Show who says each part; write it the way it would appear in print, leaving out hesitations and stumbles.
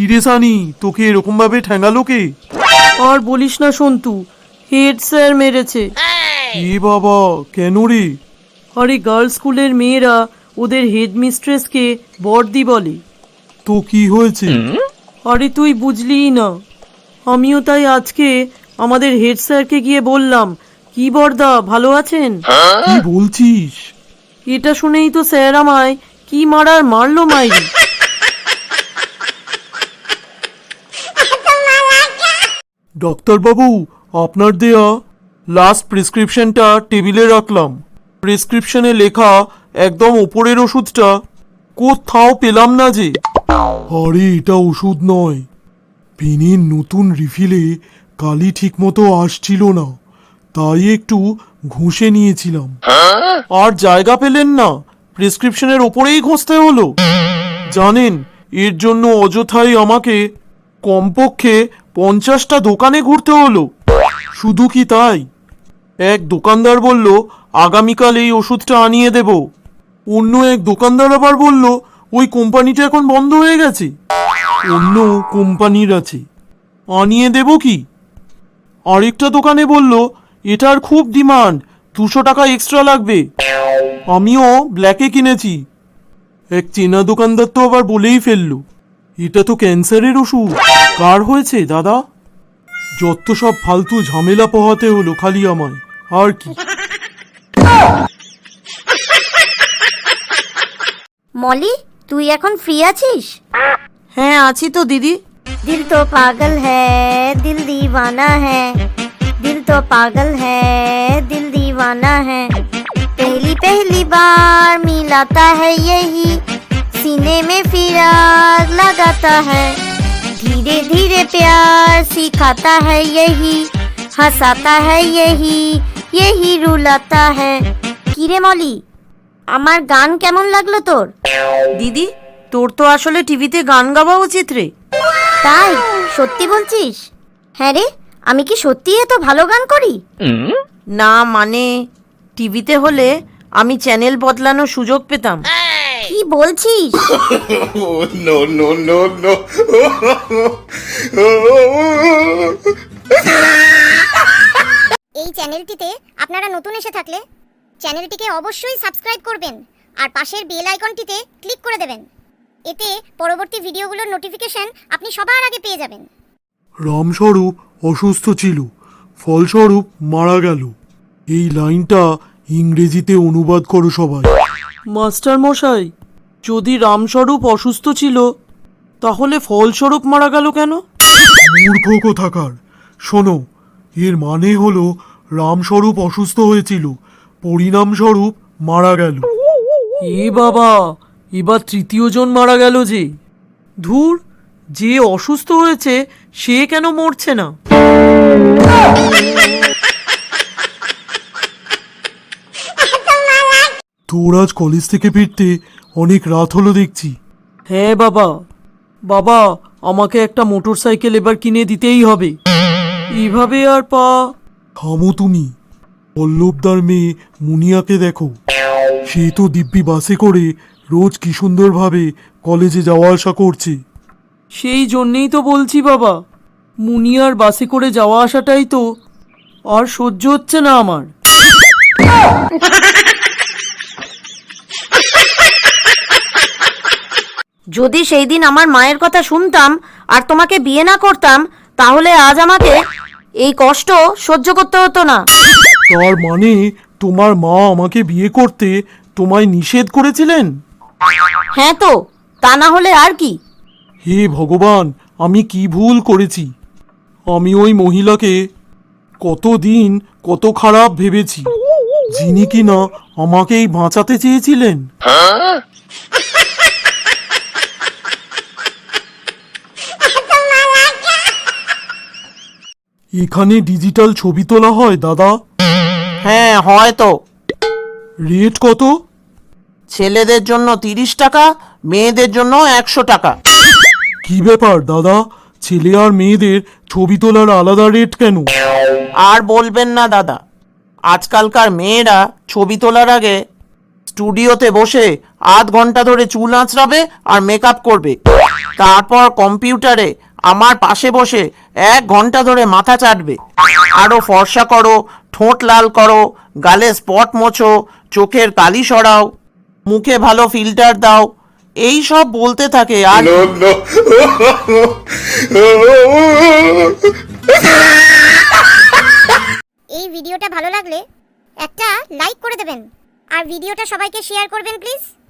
Speaker 1: রে সানি, তোকে এরকম ভাবে ঠ্যাঙ্গালো কে?
Speaker 2: আর বলিস না সন্তু, হেড স্যার মেরেছে।
Speaker 1: এ বাবা, কেন রে?
Speaker 2: আরে গার্লস স্কুলের মেয়েরা ওদের হেড মিস্ট্রেসকে বর্দি বলে।
Speaker 1: তো কি হয়েছে?
Speaker 2: আরে তুই বুঝলিই না। আমিও তাই আজকে আমাদের হেড স্যারকে গিয়ে বললাম, কি বর্দা ভালো আছেন?
Speaker 1: কি বলছিস?
Speaker 2: এটা শুনেই তো স্যার আমায় কি মারার মারলো মাইরি।
Speaker 1: ডাক্তারবাবু, আপনার দেয়া লাস্ট প্রেসক্রিপশনটা টেবিলে রাখলাম। প্রেসক্রিপশনে লেখা একদম ওপরের ওষুধটা কোথাও পেলাম না যে। আরে এটা ওষুধ নয়, পেনের নতুন রিফিলে কালি ঠিক মতো আসছিল না, তাই একটু ঘষে নিয়েছিলাম। আর জায়গা পেলেন না, প্রেসক্রিপশনের ওপরেই ঘষতে হলো। জানেন, এর জন্য অযথাই আমাকে কমপক্ষে 50টা দোকানে ঘুরতে হলো। শুধু কি তাই, এক দোকানদার বলল আগামীকাল এই ওষুধটা আনিয়ে দেব, অন্য এক দোকানদার আবার বলল ওই কোম্পানিটা এখন বন্ধ হয়ে গেছে, অন্য কোম্পানির আছে, আনিয়ে দেব কি। আরেকটা দোকানে বলল এটার খুব ডিমান্ড, 200 টাকা এক্সট্রা লাগবে। আমিও ব্ল্যাকে কিনেছি। এক চেনা দোকানদার তো আবার বলেই ফেললো এটা তো ক্যান্সারের ওষুধ। কার হয়েছে দাদা? যত সব ফালতু ঝামেলা পোহাতে হলো খালি আমায়, আর কি।
Speaker 3: মলি, তুই এখন ফ্রি আছিস?
Speaker 2: হ্যাঁ আছি তো দিদি।
Speaker 3: दिल तो पागल है दिल दीवाना है, दिल तो पागल है दिल दीवाना है, पहली पहली बार मिलाता है यही, सीने में फिर आग लगाता है, धीरे धीरे प्यार सिखाता है यही, हंसाता है यही, यही रुलाता है। কিরে মলি, আমার গান কেমন লাগলো তোর?
Speaker 2: দিদি, তোর তো আসলে টিভিতে গান গাওয়া উচিত রে।
Speaker 3: তাই? সত্যি বলছিস? হ্যাঁ রে, আমি কি সত্যি এত ভালো গান করি?
Speaker 2: না মানে, টিভিতে হলে আমি চ্যানেল বদলানোর সুযোগ পেতাম।
Speaker 3: কি বলছিস?
Speaker 4: No, no, no, no.
Speaker 5: এই চ্যানেলটিতে আপনারা নতুন এসে থাকলে চ্যানেলটিকে অবশ্যই সাবস্ক্রাইব করবেন আর পাশের বেল আইকনটিতে ক্লিক করে দেবেন। এতে পরবর্তী ভিডিওগুলোর নোটিফিকেশন আপনি সবার আগে পেয়ে যাবেন।
Speaker 1: রামস্বরূপ অসুস্থ ছিল, ফলস্বরূপ মারা গেল। এই লাইনটা ইংরেজিতে অনুবাদ করো সবাই।
Speaker 2: মাস্টার মশাই, যদি রামস্বরূপ অসুস্থ ছিল তাহলে ফলস্বরূপ মারা গেল কেন?
Speaker 1: মূর্খ কোথাকার। শোনো, এর মানে হলো রামস্বরূপ অসুস্থ হয়েছিল, পরিণামস্বরূপ মারা গেল।
Speaker 2: এ বাবা, এবার তৃতীয় জন মারা গেল যে। ধুর, যে অসুস্থ হয়েছে সে কেন মরছে না?
Speaker 1: তোর আজ কলেজ থেকে ফিরতে অনেক রাত হলো দেখছি।
Speaker 2: হ্যাঁ বাবা, বাবা আমাকে একটা মোটর সাইকেল এবার কিনে দিতেই হবে। এইভাবে আর পা।
Speaker 1: থামো তুমি। পল্লবদার মেয়ে মুনিয়াকে দেখো, সে তো দিব্যি বাসে করে রোজ কি সুন্দরভাবে কলেজে যাওয়া আসা করছে।
Speaker 2: সেই জন্যেই তো বলছি বাবা, মুনিয়ার বাসে করে যাওয়া আসাটাই তো আর সহ্য হচ্ছে না আমার। যদি সেই দিন আমার মায়ের কথা শুনতাম আর তোমাকে বিয়ে না করতাম, তাহলে আজ আমাকে এই কষ্ট সহ্য করতে হতো না।
Speaker 1: তার মানে তোমার মা আমাকে বিয়ে করতে তোমায় নিষেধ করেছিলেন?
Speaker 2: হ্যাঁ তো, তা না হলে আর কি।
Speaker 1: হে ভগবান, আমি কি ভুল করেছি। আমি ওই মহিলাকে কতদিন কত খারাপ ভেবেছি, যিনি কিনা আমাকেই বাঁচাতে চেয়েছিলেন। এখানে ডিজিটাল ছবি তোলা হয় দাদা?
Speaker 6: হ্যাঁ হয় তো।
Speaker 1: রেট কত?
Speaker 6: ছেলেদের জন্য 30 টাকা, মেয়েদের জন্য 100 টাকা।
Speaker 1: কি ব্যাপার দাদা, ছেলে আর মেয়েদের ছবি তোলার আলাদা রেট কেন?
Speaker 6: আর বলবেন না দাদা, আজকালকার মেয়েরা ছবি তোলার আগে স্টুডিওতে বসে আধ ঘন্টা ধরে চুল আঁচড়াবে আর মেকআপ করবে। তারপর কম্পিউটারে আমার পাশে বসে 1 ঘন্টা ধরে মাথা চাটবে। আরও ফর্সা করো, ঠোঁট লাল করো, গালে স্পট মোছো, চোখের কালি সরাও, মুখে ভালো ফিল্টার দাও, এই সব বলতে থাকে। আর
Speaker 4: no, no.
Speaker 5: এই ভিডিওটা ভালো লাগলে একটা লাইক করে দেবেন আর ভিডিওটা সবাইকে শেয়ার করবেন প্লিজ।